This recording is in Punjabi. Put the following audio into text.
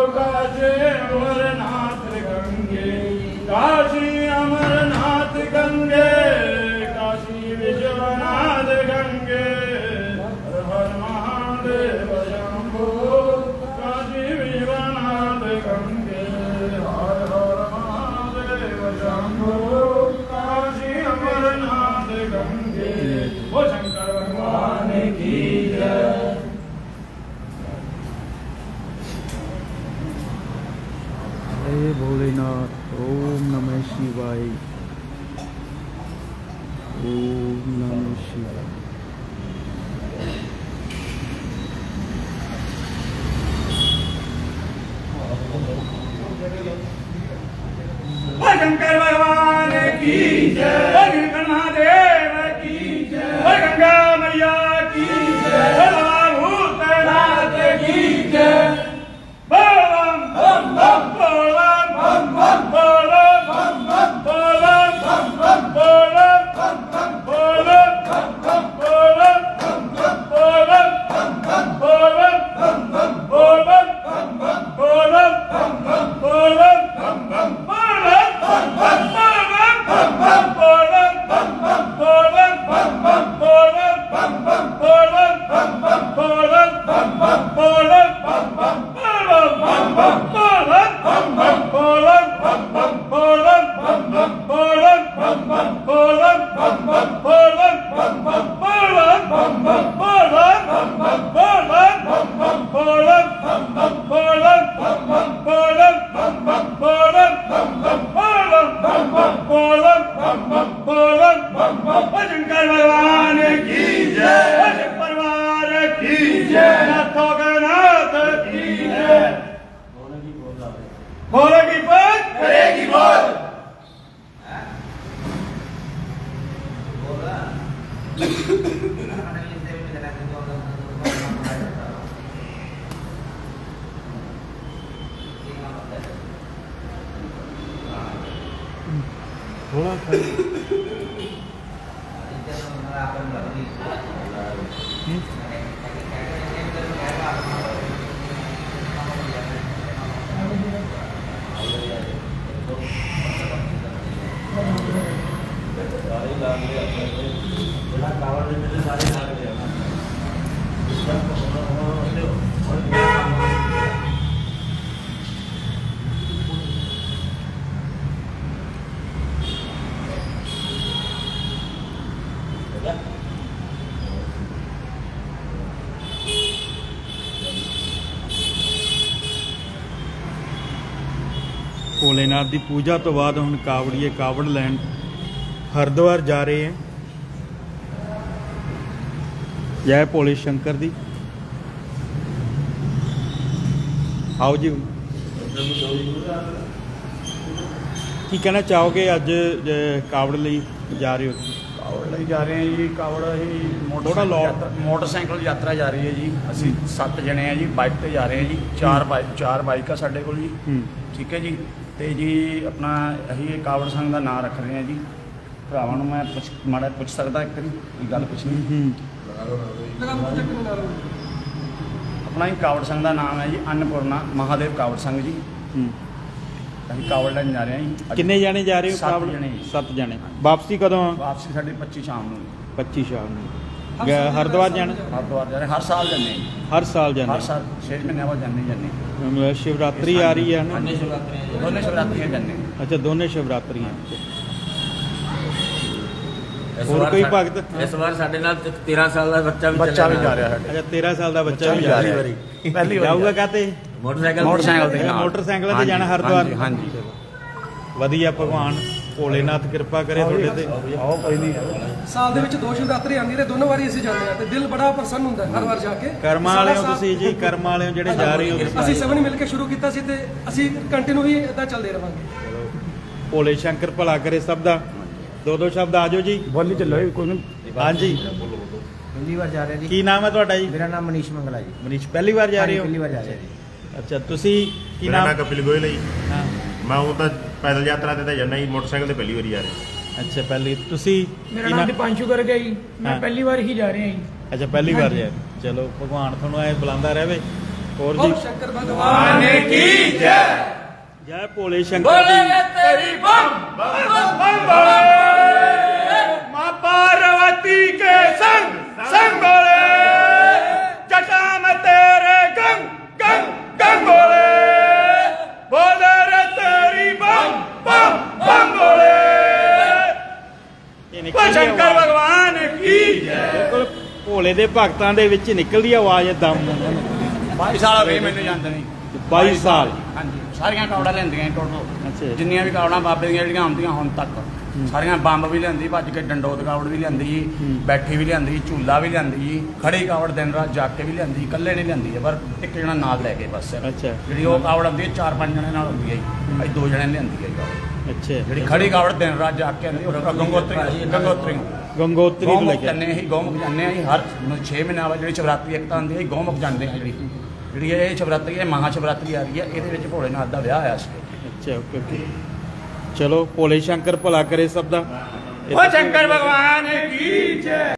काशी अमरनाथ गंगे, काशी अमरनाथ गंगे, काशी विश्वनाथ गंगे, हर हर महादेव शंभो, काशी विश्वनाथ गंगे, हर हर महादेव शंभो, काशी अमरनाथ गंगे। वो शंकर भगवान की जय। जय भोलेनाथ। ओम नमः शिवाय। ओम नमः शिवाय। शंकर भगवान की जय, महादेव की जय, गंगा मैया की जय, बाबा भूतनाथ की जय। बोल बम बम बोल बम बम बोल बम बम बोल बम बम बोल बम बम बोल बम बम बोल बम बम बोल बम बम बोल बम बम बोल बम बम बोल बम बम बोल बम बम शंकर भगवान की जय, परिवार की जय, नाथों के नाथ की जय। बोलेगी बात करेगी बोल। थोड़ा ਭੋਲੇਨਾਥ ਦੀ ਪੂਜਾ ਤੋਂ ਬਾਅਦ ਹੁਣ ਕਾਵੜੀਏ ਕਾਵੜ ਲੈਣ ਹਰਿਦੁਆਰ ਜਾ ਰਹੇ ਹੈ। ਜੈ ਭੋਲੇ ਸ਼ੰਕਰ ਦੀ। ਆਓ ਜੀ, ਕੀ ਕਹਿਣਾ ਚਾਹੋਗੇ ਅੱਜ ਕਾਵੜ ਲਈ ਜਾ ਰਹੇ ਹੋ? ਕਾਵੜ ਲਈ ਜਾ ਰਹੇ ਹਾਂ ਜੀ। ਕਾਵੜ ਅਸੀਂ ਥੋੜ੍ਹਾ ਮੋਟਰਸਾਈਕਲ ਯਾਤਰਾ ਜਾ ਰਹੀ ਹੈ ਜੀ। ਅਸੀਂ 7 ਜਣੇ ਆ ਜੀ, ਬਾਈਕ ਤੇ ਜਾ ਰਹੇ ਹਾਂ ਜੀ। ਚਾਰ ਬਾਈਕ ਆ ਸਾਡੇ ਕੋਲ ਜੀ। ਠੀਕ ਹੈ ਜੀ। ਤੇ ਜੀ ਆਪਣਾ ਅਸੀਂ ਇਹ ਕਾਵੜ ਸੰਘ ਦਾ ਨਾਮ ਰੱਖ ਰਹੇ ਹਾਂ ਜੀ। ਭਰਾਵਾਂ ਨੂੰ ਮੈਂ ਮਾੜਾ ਪੁੱਛ ਸਕਦਾ ਇੱਕ ਵਾਰੀ ਕੀ ਗੱਲ ਪੁੱਛਣੀ? ਆਪਣਾ ਹੀ ਕਾਵੜ ਸੰਘ ਦਾ ਨਾਮ ਹੈ ਜੀ ਅੰਨਪੂਰਨਾ ਮਹਾਦੇਵ ਕਾਵੜ ਸੰਘ ਜੀ। ਅਸੀਂ ਕਾਵੜ ਲੈਣ ਜਾ ਰਹੇ ਹਾਂ ਜੀ। ਕਿੰਨੇ ਜਾਣੇ ਜਾ ਰਹੇ ਹੋ? 7 ਜਣੇ ਜੀ। 7 ਜਾਣੇ। ਵਾਪਸੀ ਕਦੋਂ ਆ? ਵਾਪਸੀ ਸਾਡੀ 25 ਸ਼ਾਮ ਨੂੰ। 25 ਸ਼ਾਮ ਨੂੰ ਹਰਿਦੁਆਰ ਜਾਣਾ? ਹਰਿਦੁਆਰ ਜਾ ਰਹੇ ਹਰ ਸਾਲ ਜਾਂਦੇ ਹਾਂ ਜੀ। ਹਰ ਸਾਲ ਜਾਂਦੇ? ਹਰ ਸਾਲ 6 ਮਹੀਨਿਆਂ ਬਾਅਦ ਜਾਂਦੇ ਜਾਂਦੇ। ਸ਼ਿਵਰਾਤਰੀ ਆ ਰਹੀ ਹੈ ਨਾ? ਦੋਨੇ ਸ਼ਿਵਰਾਤਰੀਆਂ ਜਾਂਦੇ। ਅੱਛਾ, ਦੋਨੇ ਸ਼ਿਵਰਾਤਰੀਆਂ। ਹੋਰ ਕੋਈ ਭਗਤ? ਇਸ ਵਾਰ ਸਾਡੇ ਨਾਲ 13 ਸਾਲ ਦਾ ਬੱਚਾ ਵੀ ਜਾ ਰਿਹਾ ਸਾਡੇ। ਅੱਛਾ, 13 ਸਾਲ ਦਾ ਬੱਚਾ ਵੀ ਜਾ ਰਿਹਾ। ਪਹਿਲੀ ਵਾਰੀ ਜਾਊਗਾ ਕਾਤੇ? ਮੋਟਰਸਾਈਕਲ ਤੇ। ਮੋਟਰਸਾਈਕਲਾਂ ਤੇ ਜਾਣਾ ਹਰਿਦੁਆਰ? ਹਾਂਜੀ। ਵਧੀਆ, ਭਗਵਾਨ ਭੋਲੇਨਾਥ ਕਿਰਪਾ ਕਰੇ ਤੁਹਾਡੇ ਤੇ। ਆਓ ਕੋਈ ਨਹੀਂ। ਸਾਲ ਦੇ ਵਿੱਚ 2 ਸ਼ਿਵਰਾਤਰੀ ਆਉਂਦੀ ਤੇ ਦੋਨੋਂ ਵਾਰੀ ਅਸੀਂ ਜਾਂਦੇ ਆ ਤੇ ਦਿਲ ਬੜਾ ਪ੍ਰਸੰਨ ਹੁੰਦਾ ਹਰ ਵਾਰ ਜਾ ਕੇ। ਕਰਮਾਂ ਵਾਲੇ ਹੋ ਤੁਸੀਂ ਜੀ, ਕਰਮਾਂ ਵਾਲੇ ਹੋ ਜਿਹੜੇ ਜਾ ਰਹੇ ਹੋ। ਅਸੀਂ ਸਭ ਨੇ ਮਿਲ ਕੇ ਸ਼ੁਰੂ ਕੀਤਾ ਸੀ ਤੇ ਅਸੀਂ ਕੰਟੀਨਿਊ ਵੀ ਇਦਾਂ ਚੱਲਦੇ ਰਵਾਂਗੇ। ਭੋਲੇ ਸ਼ੰਕਰ ਭਲਾ ਕਰੇ ਸਭ ਦਾ। ਦੋ ਸ਼ਬਦ ਆ ਜਾਓ ਜੀ। ਬੋਲੀ ਚੱਲੋ ਕੋਈ ਨਹੀਂ। ਹਾਂਜੀ, ਪਹਿਲੀ ਵਾਰ ਜਾ ਰਹੇ ਜੀ। ਕੀ ਨਾਮ ਹੈ ਤੁਹਾਡਾ ਜੀ? ਮੇਰਾ ਨਾਮ ਮਨੀਸ਼ ਮੰਗਲਾ ਜੀ। ਮਨੀਸ਼, ਪਹਿਲੀ ਵਾਰ ਜਾ ਰਹੇ ਹੋ? ਪਹਿਲੀ ਵਾਰ ਜਾ ਰਹੇ ਜੀ। ਅੱਛਾ, ਤੁਸੀਂ ਕੀ ਮੇਰਾ ਨਾਮ? ਨਾਮ ਕਪਿਲ ਗੋਇਲ ਹੈ ਜੀ। ਹਾਂ, ਮੈਂ ਉਹ ਤਾਂ ਪੈਦਲ ਯਾਤਰਾ ਤੇ ਤਾਂ ਜਾਂਦਾ ਜੀ, ਮੋਟਰਸਾਈਕਲ ਤੇ ਪਹਿਲੀ ਵਾਰੀ ਜਾ ਰਿਹਾ। ਅੱਛਾ, ਪਹਿਲੀ। ਤੁਸੀਂ ਮੇਰਾ ਨਾਮ ਦੀਪਾਂਸ਼ੂ ਗਰਗ ਹੈ ਜੀ। ਮੈਂ ਹਾਂ। ਪਹਿਲੀ ਵਾਰ ਹੀ ਜਾ ਰਿਹਾ ਜੀ। ਅੱਛਾ, ਪਹਿਲੀ ਵਾਰ ਜਾ ਰਹੇ। ਚਲੋ, ਭਗਵਾਨ ਤੁਹਾਨੂੰ ਐ ਬੁਲਾਉਂਦਾ ਰਹੇ ਹੋਰ बोल जी शंकर भगवान की जय जय भोले शंकर जी तेरी बम बम बम बोले माँ पार्वती के संग संग बोले जटा में तेरे गंग गंग गंग बोले बोले रे तेरी बम बम बम बोले ਇਹ वो शंकर भगवान की जय ਬਿਲਕੁਲ ਭੋਲੇ ਦੇ ਭਗਤਾਂ ਦੇ ਵਿੱਚ ਨਿਕਲਦੀ ਆਵਾਜ਼ ਦਮ 22 ਸਾਲ ਹੋ ਗਏ ਮੈਨੂੰ ਜਾਂਦੇ ਨਹੀਂ 22 ਸਾਲ ਹਾਂਜੀ ਸਾਰੀਆਂ ਕਾਵੜਾਂ ਲੈਂਦੀਆਂ ਟੋਟਲ ਅੱਛਾ ਜਿੰਨੀਆਂ ਵੀ ਕਾਵੜਾਂ ਬਾਬੇ ਦੀਆਂ ਜਿਹੜੀਆਂ ਆਉਂਦੀਆਂ ਹੁਣ ਤੱਕ ਸਾਰੀਆਂ ਬੰਬ ਵੀ ਲਿਆਂਦੀ ਭੱਜ ਕੇ ਡੰਡੋਤ ਕਾਵੜ ਵੀ ਲਿਆਂਦੀ ਜੀ ਬੈਠੀ ਵੀ ਲਿਆਂਦੀ ਝੂਲਾ ਵੀ ਲਿਆਂਦੀ ਜੀ ਖੜੀ ਕਾਵੜ ਦਿਨ ਰਾਤ ਜਾ ਕੇ ਵੀ ਲਿਆਂਦੀ ਇਕੱਲੇ ਨਹੀਂ ਲਿਆਂਦੀ ਹੈ ਪਰ ਇੱਕ ਜਣਾ ਨਾਲ ਲੈ ਕੇ ਬਸ ਅੱਛਾ ਜਿਹੜੀ ਉਹ ਕਾਵੜ ਆਉਂਦੀ ਹੈ 4-5 ਜਣੇ ਨਾਲ ਹੁੰਦੀ ਹੈ ਜੀ ਅਸੀਂ 2 ਜਣੇ ਲਿਆਂਦੀ ਹੈ ਜੀ ਕਾਵੜ। ਅੱਛਾ ਜਿਹੜੀ ਖੜੀ ਕਾਵੜ ਦਿਨ ਰਾਤ ਜਾ ਕੇ ਆਉਂਦੀ ਉਹ ਗੰਗੋਤਰੀ ਗੰਗੋਤਰੀ ਗੰਗੋਤਰੀ ਨੂੰ ਲੈ ਗੋਮੁਖ ਕੇ ਜਾਂਦੇ ਅਸੀਂ ਗੋਮੁਖ ਜਾਂਦੇ ਹਾਂ ਜੀ ਹਰ 6 ਮਹੀਨਿਆਂ ਬਾਅਦ ਜਿਹੜੀ ਸ਼ਿਵਰਾਤਰੀ ਇੱਕ ਤਾਂ ਆਉਂਦੀ ਹੈ ਗੋਮੁਖ ਜਾਂਦੇ ਹਾਂ ਜਿਹੜੀ ਇਹ ਸ਼ਿਵਰਾਤਰੀ ਹੈ ਮਹਾ ਸ਼ਿਵਰਾਤਰੀ ਆ ਰਹੀ ਹੈ ਇਹਦੇ ਵਿੱਚ ਭੋਲੇ ਨਾਥ ਦਾ ਵਿਆਹ ਹੋਇਆ ਸੀ ਅੱਛਾ ਓਕੇ ਓਕੇ ਚਲੋ ਭੋਲੇ ਸ਼ੰਕਰ ਭਲਾ ਕਰੇ ਸਭ ਦਾ वो शंकर भगवान की जय